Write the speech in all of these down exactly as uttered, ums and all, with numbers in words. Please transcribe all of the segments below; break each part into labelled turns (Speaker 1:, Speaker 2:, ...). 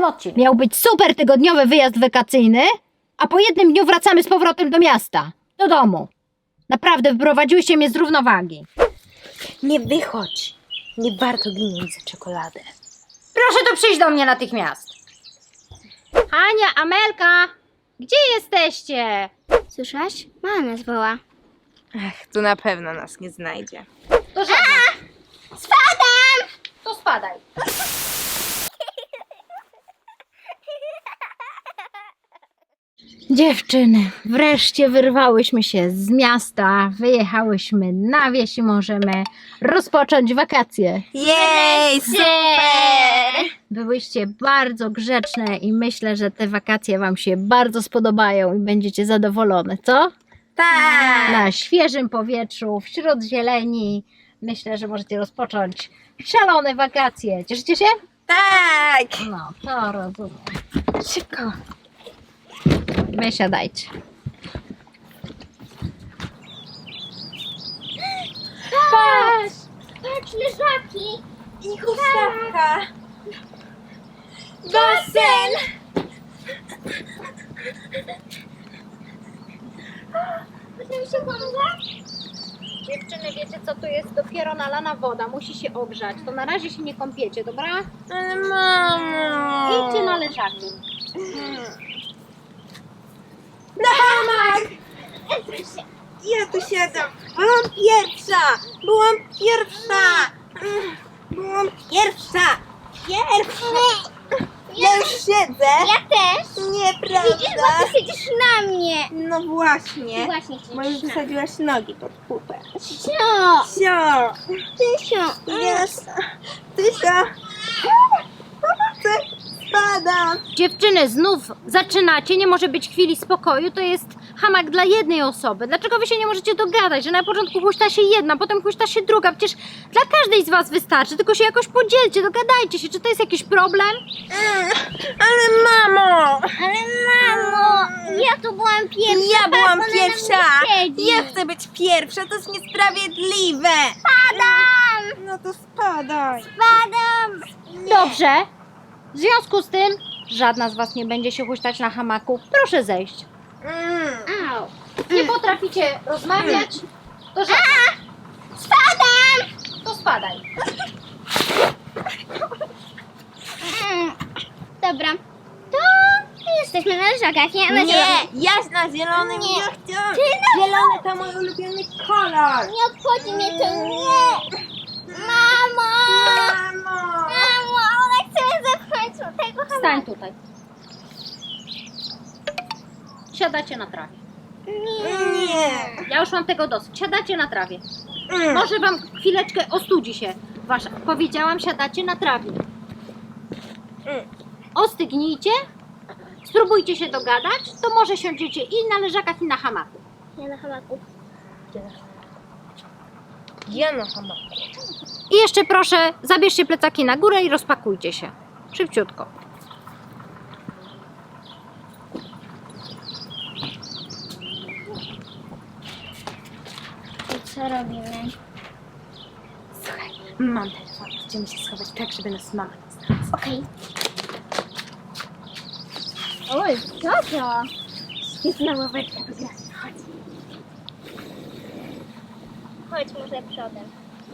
Speaker 1: następnym odcinku. Miał być super tygodniowy wyjazd wakacyjny, a po jednym dniu wracamy z powrotem do miasta, do domu. Naprawdę wyprowadziłyście mnie z równowagi.
Speaker 2: Nie wychodź. Nie warto ginąć za czekoladę.
Speaker 1: Proszę tu przyjść do mnie natychmiast. Hania, Amelka, gdzie jesteście?
Speaker 3: Słyszałaś? Mama nas woła.
Speaker 2: Ach, tu na pewno nas nie znajdzie.
Speaker 1: To żadna.
Speaker 3: Spadam!
Speaker 1: To spadaj. Dziewczyny, wreszcie wyrwałyśmy się z miasta, wyjechałyśmy na wieś i możemy rozpocząć wakacje.
Speaker 2: Jej, super!
Speaker 1: Byłyście bardzo grzeczne i myślę, że te wakacje Wam się bardzo spodobają i będziecie zadowolone, co?
Speaker 2: Tak!
Speaker 1: Na świeżym powietrzu, wśród zieleni. Myślę, że możecie rozpocząć szalone wakacje. Cieszycie się?
Speaker 2: Tak!
Speaker 1: No, to rozumiem.
Speaker 2: Szybko.
Speaker 1: Wysiadajcie.
Speaker 3: Patrz! Patrz, leżaki!
Speaker 2: I huśtawka. Basen!
Speaker 3: Potem się kąpać?
Speaker 1: Dziewczyny, wiecie co tu jest? Dopiero nalana woda, musi się ogrzać. To na razie się nie kąpiecie, dobra?
Speaker 2: Ale mamo!
Speaker 1: Idźcie na leżaki.
Speaker 2: Na hamak! Ja tu siadam. Byłam pierwsza! Byłam pierwsza! Byłam pierwsza! Pierwsza! Ja już siedzę.
Speaker 3: Ja też!
Speaker 2: Nieprawda.
Speaker 3: Widzisz, bo ty siedzisz na mnie!
Speaker 2: No właśnie.
Speaker 3: Właśnie
Speaker 2: Bo już
Speaker 3: siedzisz na mnie.
Speaker 2: wsadziłaś nogi pod pupę.
Speaker 3: Sio!
Speaker 2: Sio!
Speaker 3: Tysio!
Speaker 2: Jest! Tysia! Pomocy! Spadam!
Speaker 1: Dziewczyny, znów zaczynacie, nie może być chwili spokoju, to jest hamak dla jednej osoby. Dlaczego wy się nie możecie dogadać, że na początku huśta się jedna, potem huśta się druga? Przecież dla każdej z was wystarczy, tylko się jakoś podzielcie, dogadajcie się. Czy to jest jakiś problem?
Speaker 2: Ale mamo!
Speaker 3: Ale mamo! Ja tu byłam pierwsza!
Speaker 2: Ja byłam
Speaker 3: patrz, ona na
Speaker 2: pierwsza!
Speaker 3: mnie siedzi.
Speaker 2: Ja chcę być pierwsza, to jest niesprawiedliwe!
Speaker 3: Spadam!
Speaker 2: No to spadaj!
Speaker 3: Spadam!
Speaker 1: Dobrze. W związku z tym żadna z was nie będzie się huśtać na hamaku. Proszę zejść.
Speaker 2: Mm.
Speaker 3: Au!
Speaker 1: Nie potraficie rozmawiać? To żadna.
Speaker 3: Spadam!
Speaker 1: To spadaj.
Speaker 3: Mm. Dobra. To jesteśmy na leżakach, nie? Na
Speaker 2: Nie!
Speaker 3: zielonym.
Speaker 2: Ja na zielonym
Speaker 3: Nie.
Speaker 2: nie chcę!
Speaker 3: Ty na
Speaker 2: Zielony to mój ulubiony kolor!
Speaker 3: Nie obchodzi mnie to, nie! Mamo!
Speaker 2: Mamo!
Speaker 3: Mamo, ona chce mnie zepchnąć do tego hamaku.
Speaker 1: Stań tutaj. Siadacie na trawie.
Speaker 2: Nie!
Speaker 1: Ja już mam tego dosyć. Siadacie na trawie.
Speaker 2: Mm.
Speaker 1: Może wam chwileczkę ostudzi się wasza. Powiedziałam, siadacie na trawie.
Speaker 2: Mm.
Speaker 1: Ostygnijcie. Spróbujcie się dogadać. To może siądziecie i na leżakach, i na hamaku.
Speaker 3: Ja na hamaku.
Speaker 2: Ja na hamaku.
Speaker 1: I jeszcze proszę, zabierzcie plecaki na górę i rozpakujcie się. Szybciutko.
Speaker 3: I co robimy?
Speaker 2: Słuchaj, mam telefon. Chcemy się schować tak, żeby nas mama nie znalazła.
Speaker 3: Okej. Oj, co to?
Speaker 2: Świetna ławeczka do gry. Chodź.
Speaker 3: Chodź może przodem.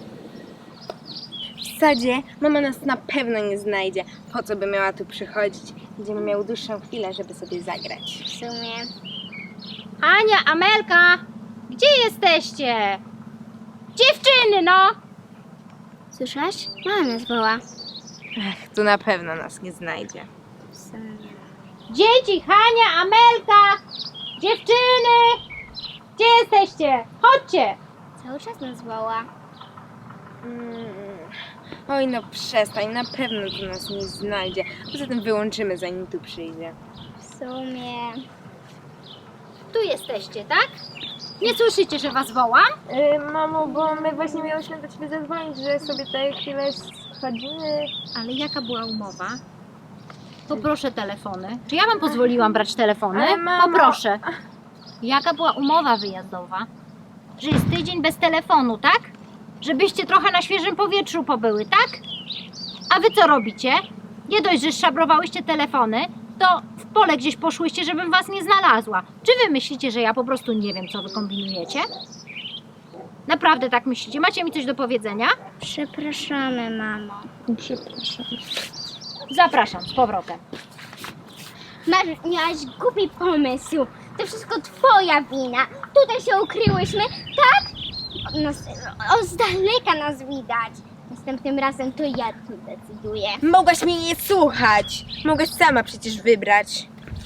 Speaker 2: W sadzie mama nas na pewno nie znajdzie. Po co by miała tu przychodzić? Będziemy miały dłuższą chwilę, żeby sobie zagrać.
Speaker 3: W sumie.
Speaker 1: Ania, Amelka, gdzie jesteście? Dziewczyny, no!
Speaker 3: Słyszałaś? Mama nas woła.
Speaker 2: Ach, tu na pewno nas nie znajdzie.
Speaker 3: W sumie.
Speaker 1: Dzieci, Hania, Amelka, dziewczyny, gdzie jesteście? Chodźcie!
Speaker 3: Cały czas nas woła.
Speaker 2: Mm. Oj, no przestań, na pewno tu nas nie znajdzie. Poza tym wyłączymy, zanim tu przyjdzie.
Speaker 3: W sumie.
Speaker 1: Tu jesteście, tak? Nie słyszycie, że was wołam?
Speaker 2: Yy, mamo, bo my właśnie miałyśmy do ciebie zadzwonić, że sobie tutaj chwilę schodzimy.
Speaker 1: Ale jaka była umowa? Poproszę telefony. Czy ja wam pozwoliłam brać telefony?
Speaker 2: Ale mamo-
Speaker 1: Poproszę. Jaka była umowa wyjazdowa? Że jest tydzień bez telefonu, tak? Żebyście trochę na świeżym powietrzu pobyły, tak? A wy co robicie? Nie dość, że szabrowałyście telefony, to w pole gdzieś poszłyście, żebym was nie znalazła. Czy wy myślicie, że ja po prostu nie wiem, co wy kombinujecie? Naprawdę tak myślicie? Macie mi coś do powiedzenia?
Speaker 3: Przepraszamy, mamo.
Speaker 2: Przepraszam.
Speaker 1: Zapraszam z powrotem.
Speaker 3: Masz, miałaś głupi pomysł. To wszystko twoja wina. Tutaj się ukryłyśmy, tak? No, o, z daleka nas widać. Następnym razem to ja tu decyduję.
Speaker 2: Mogłaś mnie nie słuchać. Mogłaś sama przecież wybrać.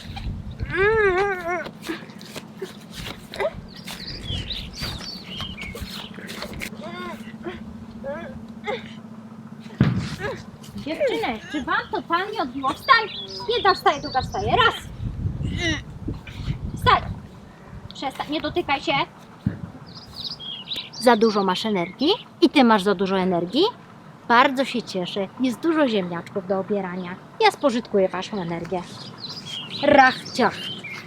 Speaker 1: Dziewczyny, czy wam totalnie odbiło? Wstań! Jedna wstaje, druga wstaje. Raz! Wstań! Przestań, nie dotykaj się. Za dużo masz energii i ty masz za dużo energii. Bardzo się cieszę. Jest dużo ziemniaczków do obierania. Ja spożytkuję waszą energię. Rach, ciach.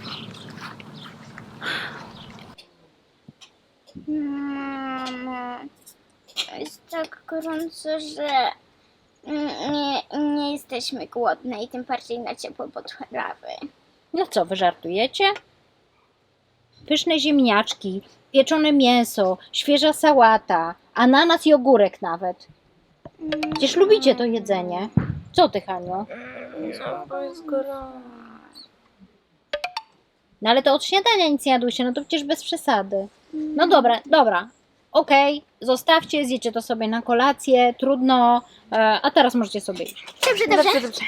Speaker 3: Mamo, jest tak gorąco, że nie, nie jesteśmy głodne i tym bardziej na ciepłe potrawy.
Speaker 1: No co, wy żartujecie? Pyszne ziemniaczki, pieczone mięso, świeża sałata, ananas i ogórek nawet. Przecież lubicie to jedzenie. Co ty, Haniu?
Speaker 2: No, jest gorąco.
Speaker 1: No ale to od śniadania nic nie jadłyście, no to przecież bez przesady. No dobra, dobra. Okej, zostawcie, zjecie to sobie na kolację, trudno, e, a teraz możecie sobie iść.
Speaker 3: Dobrze, dobrze.
Speaker 2: Dobrze, dobrze.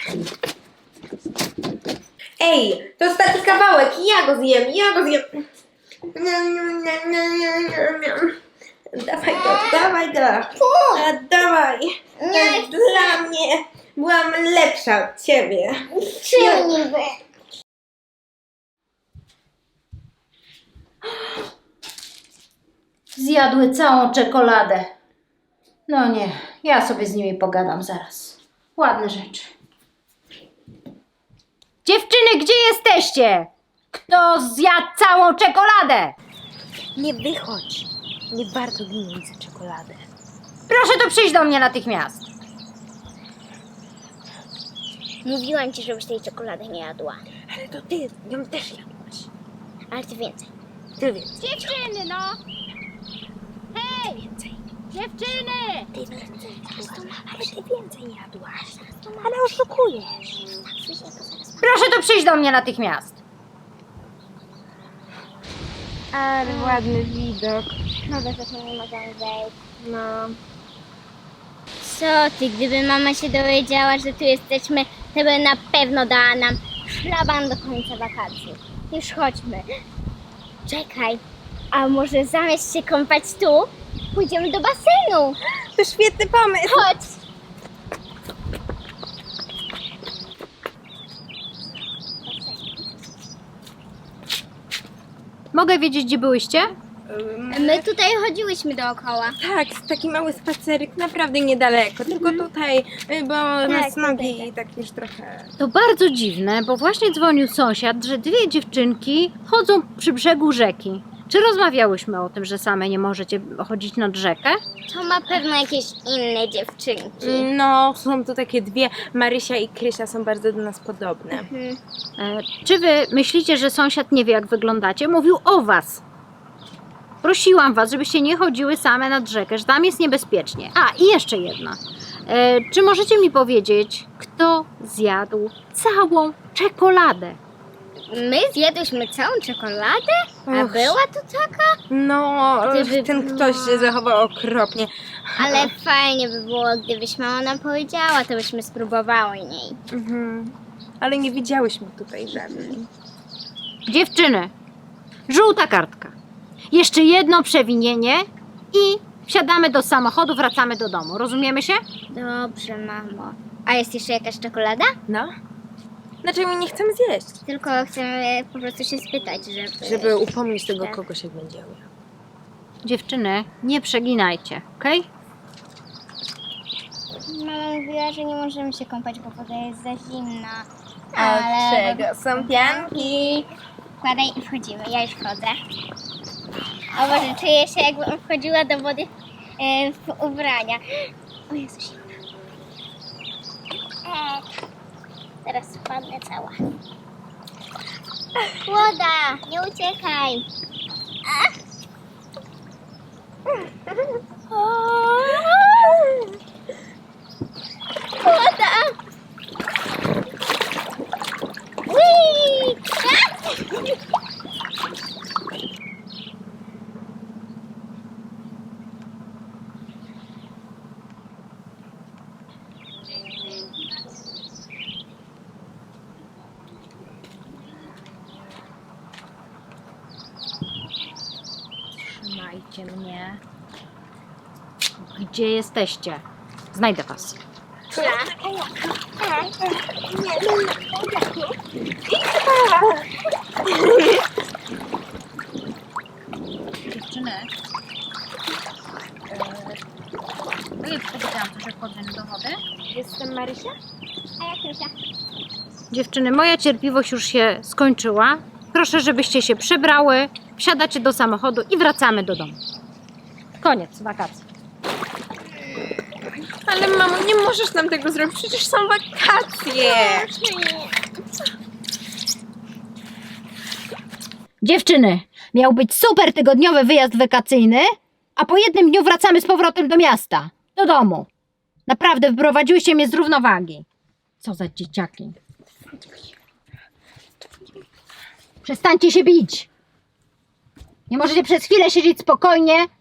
Speaker 2: Ej, to ostatni kawałek, ja go zjem, ja go zjem. Dawaj go, dawaj go. A, dawaj.
Speaker 3: Nie chcę.
Speaker 2: Dla mnie byłam lepsza od ciebie.
Speaker 3: Czym niby?
Speaker 1: Zjadły całą czekoladę. No nie, ja sobie z nimi pogadam zaraz. Ładne rzeczy. Dziewczyny, gdzie jesteście? Kto zjadł całą czekoladę?
Speaker 2: Nie wychodź. Nie warto ginąć za czekoladę.
Speaker 1: Proszę tu przyjść do mnie natychmiast.
Speaker 3: Mówiłam ci, żebyś tej czekolady nie jadła.
Speaker 2: Ale to ty ją też jadłaś.
Speaker 3: Ale ty więcej.
Speaker 2: Ty więc.
Speaker 1: Dziewczyny, no! Hej!
Speaker 2: Więcej.
Speaker 1: Dziewczyny!
Speaker 2: Ty więcej jadłaś. Ale ty więcej jadłaś. Ale oszukujesz.
Speaker 1: Proszę tu przyjść do mnie natychmiast.
Speaker 2: Ale ładny widok.
Speaker 3: No bez tego nie możemy wejść.
Speaker 2: No.
Speaker 3: Co ty, gdyby mama się dowiedziała, że tu jesteśmy, to by na pewno dała nam szlaban do końca wakacji. Już chodźmy. Czekaj, a może zamiast się kąpać tu, pójdziemy do basenu.
Speaker 2: To świetny pomysł.
Speaker 3: Chodź.
Speaker 1: Mogę wiedzieć, gdzie byłyście?
Speaker 3: My tutaj chodziłyśmy dookoła.
Speaker 2: Tak, taki mały spacerek, naprawdę niedaleko. Tylko tutaj, y, bo nas
Speaker 3: tutaj,
Speaker 2: nogi tak już trochę...
Speaker 1: To bardzo dziwne, bo właśnie dzwonił sąsiad, że dwie dziewczynki chodzą przy brzegu rzeki. Czy rozmawiałyśmy o tym, że same nie możecie chodzić nad rzekę?
Speaker 3: To ma pewno jakieś inne dziewczynki.
Speaker 2: No, są tu takie dwie, Marysia i Krysia są bardzo do nas podobne.
Speaker 3: Mhm.
Speaker 1: E, czy wy myślicie, że sąsiad nie wie, jak wyglądacie? Mówił o was. Prosiłam was, żebyście nie chodziły same nad rzekę, że tam jest niebezpiecznie. A, i jeszcze jedna. E, czy możecie mi powiedzieć, kto zjadł całą czekoladę?
Speaker 3: My zjadłyśmy całą czekoladę? A
Speaker 2: Och.
Speaker 3: była to taka?
Speaker 2: No,
Speaker 3: Gdyby
Speaker 2: ten
Speaker 3: była-
Speaker 2: ktoś się zachował okropnie.
Speaker 3: Ale fajnie by było, gdybyś mama nam powiedziała, to byśmy spróbowały niej.
Speaker 2: Mhm. Ale nie widziałyśmy tutaj żadnej.
Speaker 1: Dziewczyny, żółta kartka. Jeszcze jedno przewinienie i wsiadamy do samochodu, wracamy do domu. Rozumiemy się?
Speaker 3: Dobrze, mamo. A jest jeszcze jakaś czekolada?
Speaker 2: No? Znaczy my nie chcemy zjeść.
Speaker 3: Tylko chcemy po prostu się spytać, żeby...
Speaker 2: Żeby upomnieć tego
Speaker 3: Tak.
Speaker 2: kogoś, jak będzie miał.
Speaker 1: Dziewczyny, nie przeginajcie, okej?
Speaker 3: Mama mówiła, że nie możemy się kąpać, bo woda jest za zimna.
Speaker 2: A od czego są pianki?
Speaker 3: Wkładaj i wchodzimy. Ja już wchodzę. O Boże, czuję się, jakbym wchodziła do wody e, w ubrania. O Jezu, zimna. E, Teraz spadnę cała. Łoda, nie uciekaj. Łoda. Whee!
Speaker 1: Trzymajcie mnie. Gdzie jesteście? Znajdę was. Dziewczyny. No ja powiedziałam coś o wchodzeniu do wody.
Speaker 2: Jestem Marysia?
Speaker 3: A jak Krysia?
Speaker 1: Dziewczyny, moja cierpliwość już się skończyła. Proszę, żebyście się przebrały, wsiadacie do samochodu i wracamy do domu. Koniec wakacji.
Speaker 2: Ale mamo, nie możesz nam tego zrobić, przecież są wakacje.
Speaker 1: Dziewczyny, miał być super tygodniowy wyjazd wakacyjny, a po jednym dniu wracamy z powrotem do miasta, do domu. Naprawdę wyprowadziłyście mnie z równowagi. Co za dzieciaki. Przestańcie się bić. Nie możecie przez chwilę siedzieć spokojnie